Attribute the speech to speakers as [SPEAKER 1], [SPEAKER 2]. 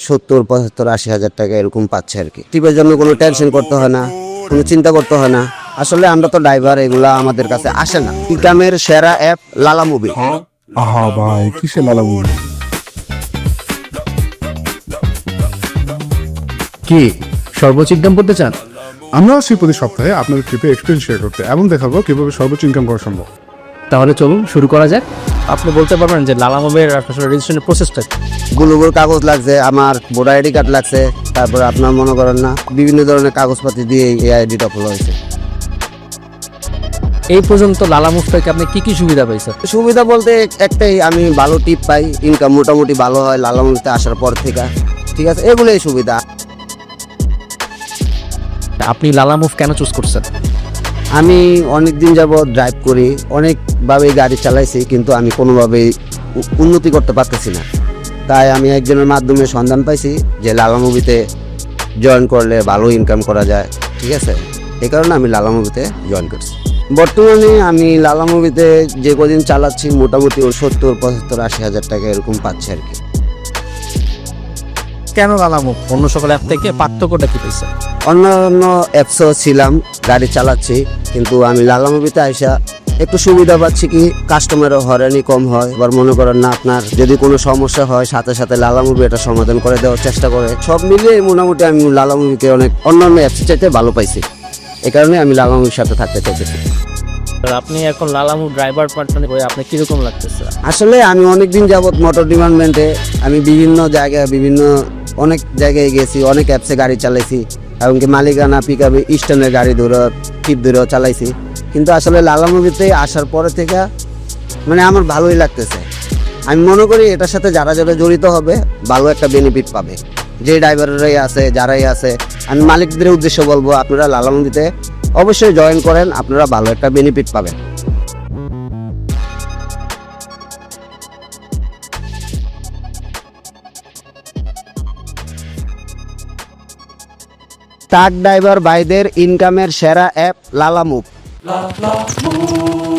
[SPEAKER 1] 70, 75, 80 হাজার টাকা এরকম পাচ্ছে আর কি। টিপের জন্য কোনো টেনশন করতে হয় না, কোনো চিন্তা করতে হয় না। আসলে আমরা তো ড্রাইভার, এগুলা আমাদের কাছে আসে না। ইনকামের সেরা অ্যাপ লালা মুভি।
[SPEAKER 2] আহা ভাই, কিসের লালা মুভি?
[SPEAKER 3] কি সর্বোচ্চ ইনকাম করতে চান?
[SPEAKER 2] আমরা আসছি প্রতি সপ্তাহে আপনাদের ট্রিপে এক্সপিরিয়েন্স শেয়ার করতে এবং দেখাবো কিভাবে সর্বোচ্চ ইনকাম করা সম্ভব।
[SPEAKER 3] তাহলে চলুন শুরু করা যাক। আপনি বলতে পারবেন যে লালা মুভের আসলে রেজিস্ট্রেশনের প্রসেসটা?
[SPEAKER 1] গুলোগুলো কাগজ লাগছে, আমার ভোটার আইডি কার্ড লাগছে, তারপরে আপনার মনে করেন না বিভিন্ন ধরনের কাগজপাতি দিয়ে এই আইডিটা খোলা হয়েছে।
[SPEAKER 3] এই পর্যন্ত লালা মুভ থেকে আপনি কি কি সুবিধা পাইছেন?
[SPEAKER 1] সুবিধা বলতে একটাই, আমি ভালো টিপ পাই, ইনকাম মোটামুটি ভালো হয় লালা মুভিতে আসার পর থেকে। ঠিক আছে, এগুলোই সুবিধা।
[SPEAKER 3] আপনি লালা মুভ কেন চুজ করছেন?
[SPEAKER 1] আমি অনেক দিন যাবত ড্রাইভ করি, অনেকভাবে গাড়ি চালাইছি, কিন্তু আমি কোনোভাবেই উন্নতি করতে পারতেছি না। তাই আমি একজনের মাধ্যমে সন্ধান পাইছি যে লালা মুভিতে জয়েন করলে ভালো ইনকাম করা যায়। ঠিক আছে, এই কারণে আমি লালা মুভিতে জয়েন করছি। বর্তমানে আমি লালা মুভিতে যে কদিন চালাচ্ছি মোটামুটি 70, 75, 80 হাজার টাকা এরকম পাচ্ছি আর কি।
[SPEAKER 3] কেন লালা মুভ অন্য সকল অ্যাপ থেকে পার্থক্যটা কি পাইছেন?
[SPEAKER 1] অন্যান্য অ্যাপসও ছিলাম, গাড়ি চালাচ্ছি, কিন্তু আমি লালা মুভিতে আইসা একটু সুবিধা পাচ্ছি কি, কাস্টমারও হয়রানি কম হয়। এবার মনে করেন না, আপনার যদি কোনো সমস্যা হয় সাথে সাথে লালা মুভি এটা সমাধান করে দেওয়ার চেষ্টা করে। সব মিলিয়ে মোটামুটি আমি লালা মুভিকে অনেক অন্যান্য অ্যাপসের চাইতে ভালো পাইছি। এই কারণে আমি লালা মুভির সাথে থাকতে চাইতেছি।
[SPEAKER 3] আপনি এখন লালা মুভ ড্রাইভার পার্টনার হয়ে আপনি কিরকম লাগতেছে?
[SPEAKER 1] আসলে আমি অনেকদিন যাবত মোটর ডিপার্টমেন্টে আমি বিভিন্ন জায়গায় অনেক জায়গায় গেছি, অনেক অ্যাপসে গাড়ি চালাইছি, এমনকি মালিকানা পিকআপে স্ট্যান্ডের গাড়ি টিপ ধরেও চালাইছি। কিন্তু আসলে লালা মুভিতে আসার পরে থেকে মানে আমার ভালোই লাগতেছে। আমি মনে করি এটার সাথে যারা যারা জড়িত হবে ভালো একটা বেনিফিট পাবে। যে ড্রাইভাররাই আছে, যারাই আছে, আমি মালিকদের উদ্দেশ্য বলবো, আপনারা লালা মুভিতে অবশ্যই জয়েন করেন, আপনারা ভালো একটা বেনিফিট পাবেন। ট্রাক ড্রাইভার ভাইদের ইনকামের সেরা অ্যাপ লালা মুভ।